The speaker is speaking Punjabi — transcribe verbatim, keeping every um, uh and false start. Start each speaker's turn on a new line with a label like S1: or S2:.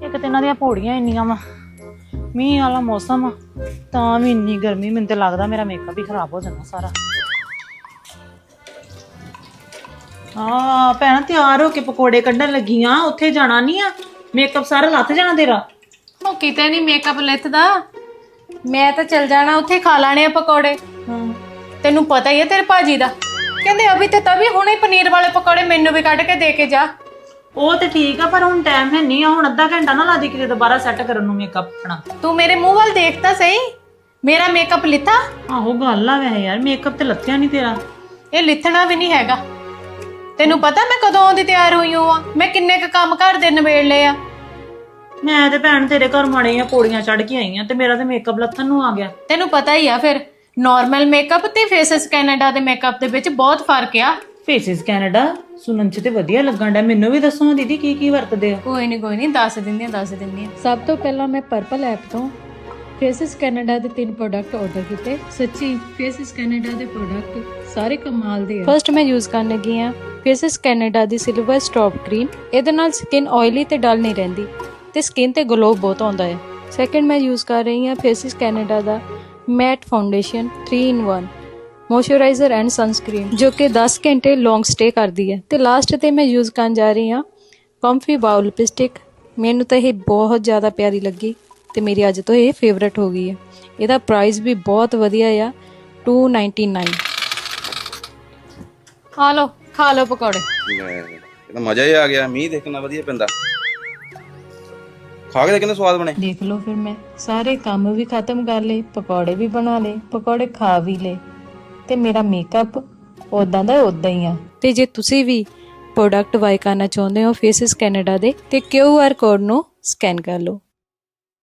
S1: ਇੱਕ ਤੇ ਇਹਨਾਂ ਦੀਆਂ ਪੌੜੀਆਂ ਇੰਨੀਆਂ ਵਾ, ਮੀਂਹ ਵਾਲਾ ਮੌਸਮ ਆ ਤਾਂ ਵੀ ਇੰਨੀ ਗਰਮੀ, ਮੈਨੂੰ ਤੇ ਲੱਗਦਾ ਮੇਰਾ ਮੇਕਅਪ ਹੀ ਖਰਾਬ ਹੋ ਜਾਣਾ ਸਾਰਾ। ਹਾਂ ਭੈਣ ਤਿਆਰ ਹੋ ਕੇ ਪਕੌੜੇ ਕੱਢਣ ਲੱਗੀ ਆ, ਉੱਥੇ ਜਾਣਾ ਨਹੀਂ ਆ, ਮੇਕਅਪ ਸਾਰਾ ਲੱਥ ਜਾਣਾ ਤੇਰਾ।
S2: ਉਹ ਕਿਤੇ ਨਹੀਂ ਮੇਕਅਪ ਲਿੱਥਦਾ, ਮੈਂ ਤਾਂ ਚਲ ਜਾਣਾ ਉੱਥੇ ਖਾ ਲੈਣੇ ਆ ਪਕੌੜੇ।
S1: ਹਾਂ
S2: ਤੈਨੂੰ ਪਤਾ ਹੀ ਹੈ ਤੇਰੇ ਭਾਜੀ ਦਾ, ਕਹਿੰਦੇ ਅਭੀ ਤੇ ਤभी ਹੁਣੇ ਪਨੀਰ ਵਾਲੇ ਪਕੌੜੇ ਮੈਨੂੰ ਵੀ ਕੱਢ ਕੇ ਦੇ ਕੇ ਜਾ।
S1: ਉਹ ਤੇ ਠੀਕ ਆ ਪਰ ਹੁਣ ਟਾਈਮ ਹੈ ਨਹੀਂ ਆ, ਹੁਣ ਅੱਧਾ ਘੰਟਾ ਨਾ ਲਾ ਦੇ ਕਿਤੇ ਦੁਬਾਰਾ ਸੈੱਟ ਕਰਨ ਨੂੰ ਮੇਕਅਪ ਆਪਣਾ।
S2: ਤੂੰ ਮੇਰੇ ਮੂੰਹ ਵੱਲ ਦੇਖ ਤਾਂ ਸਹੀ, ਮੇਰਾ ਮੇਕਅਪ ਲਿੱਥਾ?
S1: ਆਹੋ ਗੱਲ ਆ ਵੈਸੇ ਯਾਰ, ਮੇਕਅਪ ਤੇ ਲੱਥਿਆ ਨਹੀਂ ਤੇਰਾ।
S2: ਇਹ ਲਿੱਥਣਾ ਵੀ ਨਹੀਂ ਹੈਗਾ। ਤੈਨੂੰ ਪਤਾ ਮੈਂ ਕਦੋਂ ਦੀ ਤਿਆਰ ਹੋਈ ਹਾਂ, ਮੈਂ ਕਿੰਨੇ ਕ ਕੰਮ ਘਰ ਦੇ ਨਿਬੇੜ ਲਏ ਆ।
S1: ਮੈਂ ਤੇ ਭੈਣ ਤੇਰੇ ਘਰ ਮਾੜੇ ਆ ਪੌੜੀਆਂ ਚੜ ਕੇ ਆਈ ਆ ਤੇ ਮੇਰਾ ਤੇ ਮੇਕਅਪ ਲੱਥਣ ਨੂੰ ਆ ਗਿਆ।
S2: ਤੈਨੂੰ ਪਤਾ ਹੀ ਆ ਫਿਰ ਨਾਰਮਲ ਮੇਕਅਪ ਤੇ ਫੇਸਿਸ ਕੈਨੇਡਾ ਦੇ ਮੇਕਅਪ ਦੇ ਵਿੱਚ ਬਹੁਤ ਫਰਕ ਆ।
S1: ਫੇਸਿਸ ਕੈਨੇਡਾ ਸੁਣਨ ਚ ਤੇ ਵਧੀਆ ਲੱਗਣ ਡਿਆ, ਮੈਨੂੰ ਵੀ ਦੱਸੋ ਦੀਦੀ ਕੀ ਕੀ ਵਰਤਦੇ ਆ।
S2: ਕੋਈ ਨਹੀਂ ਕੋਈ ਨਹੀਂ ਦੱਸ ਦਿੰਦੀ ਆ ਦੱਸ ਦਿੰਦੀ ਆ। ਸਭ ਤੋਂ ਪਹਿਲਾਂ ਮੈਂ ਪਰਪਲ ਐਪ ਤੋਂ ਫੇਸਿਸ ਕੈਨੇਡਾ ਦੇ ਤਿੰਨ ਪ੍ਰੋਡਕਟ ਆਰਡਰ ਕੀਤੇ। ਸੱਚੀ ਫੇਸਿਸ ਕੈਨੇਡਾ ਦੇ ਪ੍ਰੋਡਕਟ ਸਾਰੇ ਕਮਾਲ ਦੇ ਆ। ਫਰਸਟ ਮੈਂ ਯੂਜ਼ ਕਰਨ ਲੱਗੀ ਆ ਫੇਸਿਸ ਕੈਨੇਡਾ ਦੀ ਸਿਲਵਰ ਸਟ੍ਰੌਪ ਕਰੀਮ। ਇਹਦੇ ਨਾਲ ਸਕਿਨ ਆਇਲੀ ਤੇ ਡਲ ਨਹੀਂ ਰਹਿੰਦੀ ਤੇ ਸਕਿਨ ਤੇ ਗਲੋ ਬਹੁਤ ਆਉਂਦਾ ਹੈ। ਸੈਕੰਡ ਮੈਂ ਯੂਜ਼ ਕਰ ਰਹੀ ਹਾਂ ਫੇਸਿਸ ਕੈਨੇਡਾ ਦਾ matte foundation three in one moisturiser and sunscreen, ਜੋ ਕਿ ਦਸ ਘੰਟੇ ਲੌਂਗ ਸਟੇ ਕਰਦੀ ਹੈ। ਤੇ ਲਾਸਟ ਤੇ ਮੈਂ ਯੂਜ਼ ਕਰਨ ਜਾ ਰਹੀ ਹਾਂ ਕੰਫੀ ਬਾਊ ਲਿਪਸਟਿਕ। ਮੈਨੂੰ ਤਾਂ ਇਹ ਬਹੁਤ ਜ਼ਿਆਦਾ ਪਿਆਰੀ ਲੱਗੀ ਤੇ ਮੇਰੀ ਅੱਜ ਤੋਂ ਇਹ ਫੇਵਰਟ ਹੋ ਗਈ ਹੈ। ਇਹਦਾ ਪ੍ਰਾਈਸ ਵੀ ਬਹੁਤ ਵਧੀਆ ਆ, ਟੂ ਨਾਈਨਟੀ ਨਾਈਨ। ਆ ਲਓ ਖਾ ਲਓ ਪਕੌੜੇ।
S3: ਇਹ ਤਾਂ ਮਜ਼ਾ ਹੀ ਆ ਗਿਆ, ਮੀਂਹ ਦੇਖਣਾ ਵਧੀਆ ਪੈਂਦਾ, ਖਾ ਕੇ ਕਿੰਨੇ ਸਵਾਦ ਬਣੇ।
S2: ਦੇਖ ਲਓ ਫਿਰ ਮੈਂ ਸਾਰੇ ਕੰਮ ਵੀ ਖਤਮ ਕਰ ਲਏ, ਪਕੌੜੇ ਵੀ ਬਣਾ ਲਏ, ਪਕੌੜੇ ਖਾ ਵੀ ਲਏ ਤੇ ਮੇਰਾ ਮੇਕਅਪ ਉਦਾਂ ਦਾ ਉਦਾਂ ਹੀ ਆ। ਤੇ ਜੇ ਤੁਸੀਂ ਵੀ ਪ੍ਰੋਡਕਟ ਬਾਏ ਕਰਨਾ ਚਾਹੁੰਦੇ ਹੋ ਫੇਸਿਸ ਕੈਨੇਡਾ ਦੇ, ਤੇ ਕਿਊ ਆਰ ਕੋਡ ਨੂੰ ਸਕੈਨ ਕਰ ਲਓ।